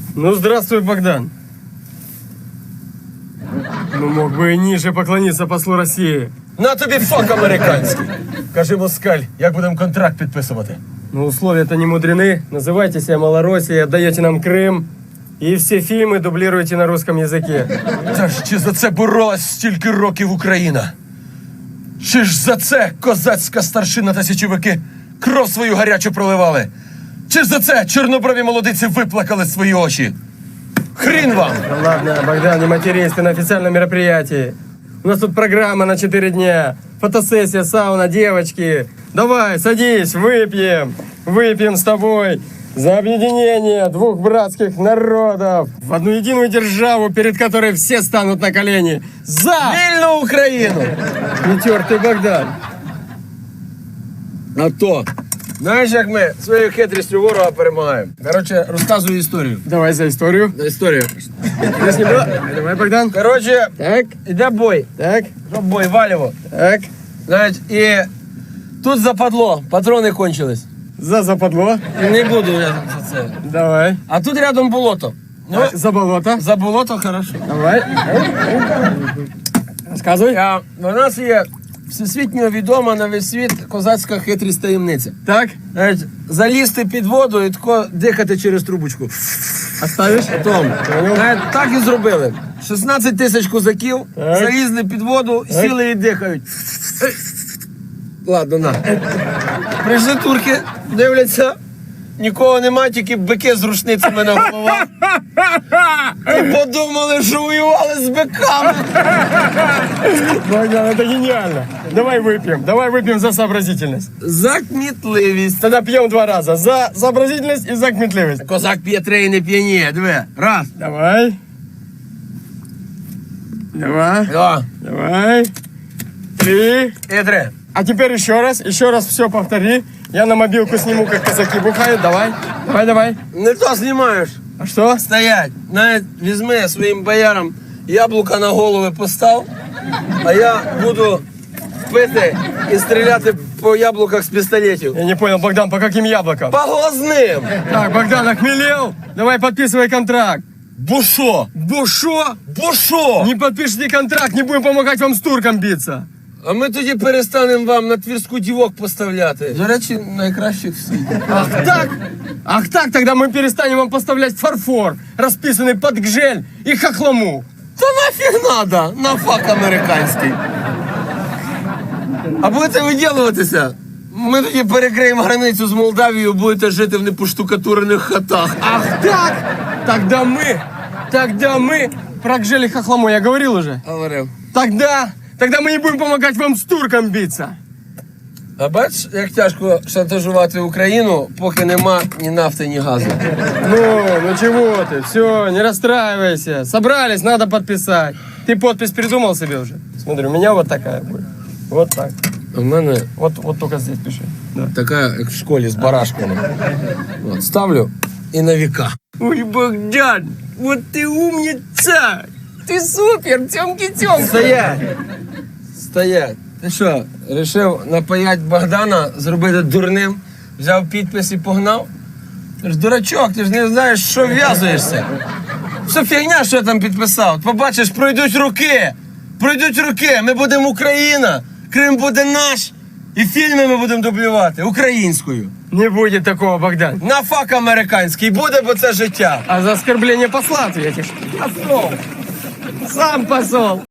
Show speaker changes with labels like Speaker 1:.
Speaker 1: Ну, здравствуй, Богдан. Ну, мог бы и ниже поклониться послу Росії.
Speaker 2: На тобі фак американський. Кажи, москаль, як будемо контракт підписувати?
Speaker 1: Ну, условия-то не мудрены. Называйте себя Малороссией, отдаете нам Крым. И все фильмы дублируете на русском языке.
Speaker 2: Та ж чи за це боролась стільки років Україна? Чи ж за це козацька старшина та січовики кров свою гарячу проливали? Чи ж за це чорноброві молодиці виплакали свої очі? Хрін вам!
Speaker 1: Да ладно, Богдан, не матерись, ты на официальном мероприятии. У нас тут программа на 4 дня. Фотосессия, сауна, девочки. Давай, садись, выпьем. Выпьем с тобой за объединение двух братских народов в одну единую державу, перед которой все станут на колени. За
Speaker 2: Вільну Україну!
Speaker 1: нетертый Богдан.
Speaker 2: А то, знаєш, як ми своєю хитрістю ворога перемагаємо? Коротше, розказую історію.
Speaker 1: Давай за историю.
Speaker 2: Історію.
Speaker 1: Здесь не было. Давай, Богдан.
Speaker 2: Коротше,
Speaker 1: Так,
Speaker 2: іде бой.
Speaker 1: так,
Speaker 2: Бой, валіво.
Speaker 1: так.
Speaker 2: Знаєш, і тут западло, патрони кончились.
Speaker 1: За западло.
Speaker 2: Не буду я за це.
Speaker 1: Давай.
Speaker 2: А тут рядом болото. Ну,
Speaker 1: За болото.
Speaker 2: за болото хорошо.
Speaker 1: Давай. Рассказывай.
Speaker 2: А у нас є всесвітньо відома на весь світ козацька хитрість таємниця.
Speaker 1: Так,
Speaker 2: Знаєш, залізти під воду і тако дихати через трубочку.
Speaker 1: оставишь?
Speaker 2: Потім, знаєш, так і зробили. 16 тисяч козаків
Speaker 1: Так.
Speaker 2: залізли під воду, сіли і дихають. Ладно, на. Прийшли турки, дивляться, нікого нема, тільки бики з рушницями на головах. І подумали, що воювали з биками.
Speaker 1: Богдан, это гениально. Давай выпьем за сообразительность.
Speaker 2: За кмітливість.
Speaker 1: Тогда пьем 2 раза. За сообразительность и за кмітливость.
Speaker 2: Козак п'є 3 і не п'яніє. Диви. Раз.
Speaker 1: Давай. Два.
Speaker 2: Два.
Speaker 1: Давай. 3.
Speaker 2: І 3.
Speaker 1: А теперь еще раз все повтори. Я на мобилку сниму, как казаки бухают. Давай. Давай.
Speaker 2: Не то знімаєш.
Speaker 1: А что?
Speaker 2: Стоять. Навіть візьми своїм боярам яблука на голови постав, а я буду пити і стріляти по яблуках з пістолетів.
Speaker 1: Я не понял, Богдан, по каким яблокам?
Speaker 2: По глазним.
Speaker 1: Так, Богдан, охмелел? Давай подписывай контракт.
Speaker 2: Бушо.
Speaker 1: Бушо?
Speaker 2: Бушо.
Speaker 1: Не подпишите контракт, не будем помогать вам с турком биться.
Speaker 2: А ми тоді перестанемо вам на Твірську дівок поставляти. До речі, найкращих в світі.
Speaker 1: Ах так, тогда мы перестанем вам поставлять фарфор, расписанный под гжель и хохлому.
Speaker 2: Та нафіг надо, на фак американський. А будете виділуватися? Ми тоді перекриємо границю з Молдавією, будете жити в непоштукатурених хатах.
Speaker 1: Ах так, тогда мы про гжель и хохлому я говорил уже.
Speaker 2: Говорив.
Speaker 1: Тогда мы не будем помогать вам с турком биться.
Speaker 2: А бачиш, як тяжко шантажувати Україну, поки нема ні нафти, ні газу.
Speaker 1: Ну чего ты, все, не расстраивайся. Собрались, надо подписать. Ты подпись придумал себе уже? Смотри, у меня вот такая будет. Вот так.
Speaker 2: У мене
Speaker 1: Вот только здесь пиши. Да.
Speaker 2: така, як в школі, з барашками. От, ставлю і на віка.
Speaker 1: Ой, Богдан, вот ты умница! Ты супер, тёмки-тёмки!
Speaker 2: Стоять. Ти що, рішив напаять Богдана, зробити дурним, взяв підпис і погнав? Ти ж дурачок, ти ж не знаєш, що в'язуєшся. Все фігня, що я там підписав. Побачиш, пройдуть роки, ми будемо Україна, Крим буде наш, і фільми ми будемо дублювати українською.
Speaker 1: Не будет такого, Богдан.
Speaker 2: На фак американський буде, бо це життя.
Speaker 1: А за оскорбление посла ответишь. Посол! Сам посол!